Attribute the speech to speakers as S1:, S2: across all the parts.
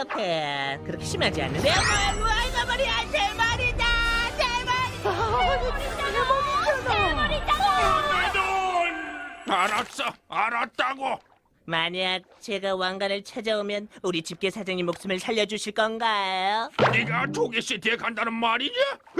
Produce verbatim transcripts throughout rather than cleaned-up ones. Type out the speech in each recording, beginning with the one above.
S1: 아니에요, 폐. 그렇게 심하지 않는데요? 아이고, 머리야, 제 머리다! 제 머리다!
S2: 알았어, 알았다고.
S1: 만약 제가 왕관을 찾아오면 우리 집게 사장님 목숨을 살려주실 건가요?
S2: 네가 조개시티에 간다는 말이냐?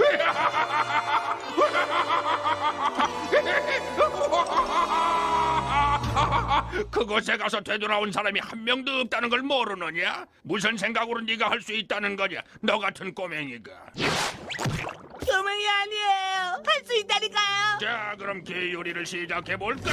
S2: 그곳에 가서 되돌아온 사람이 한 명도 없다는 걸 모르느냐? 무슨 생각으로 네가 할 수 있다는 거냐? 너 같은 꼬맹이가.
S1: 조명이 아니에요. 할 수 있다니까요.
S2: 자, 그럼 개 요리를 시작해 볼까?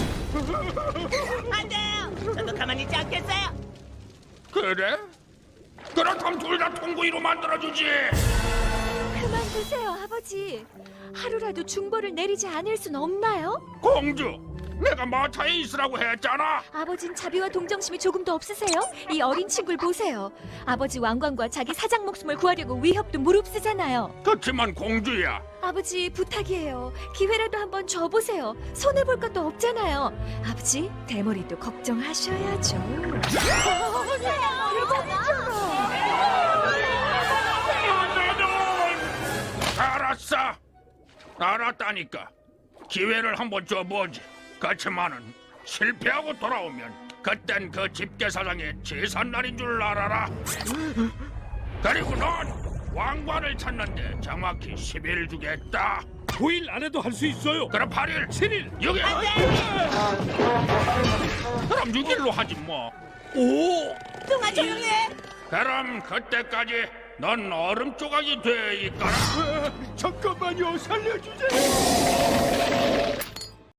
S1: 안 돼요. 저도 가만히 있지 않겠어요.
S2: 그래? 그렇다면 둘 다 통구이로 만들어주지.
S3: 그만두세요, 아버지. 하루라도 중벌을 내리지 않을 순 없나요?
S2: 공주, 내가 마차에 있으라고 했잖아.
S3: 아버진 자비와 동정심이 조금도 없으세요? 이 어린 친구를 보세요. 아버지 왕관과 자기 사장 목숨을 구하려고 위협도 무릅쓰잖아요.
S2: 그렇지만 공주야,
S3: 아버지 부탁이에요. 기회라도 한번 줘보세요. 손해볼 것도 없잖아요. 아버지 대머리도 걱정하셔야죠.
S2: 알았어, 알았다니까. 기회를 한번 줘보지. 그렇지만은 실패하고 돌아오면 그땐 그 집게사장의 제삿날인 줄 알아라. 그리고 넌 왕관을 찾는데 정확히 십 일 주겠다.
S4: 구 일 안에도 할 수 있어요.
S2: 그럼 팔 일,
S4: 칠 일.
S2: 육 일. 그럼 육 일로 하지 뭐.
S4: 오!
S1: 뚱아 조용히 해.
S2: 그럼 그때까지 넌 얼음 조각이 돼 있거라.
S4: 잠깐만요, 살려주세요.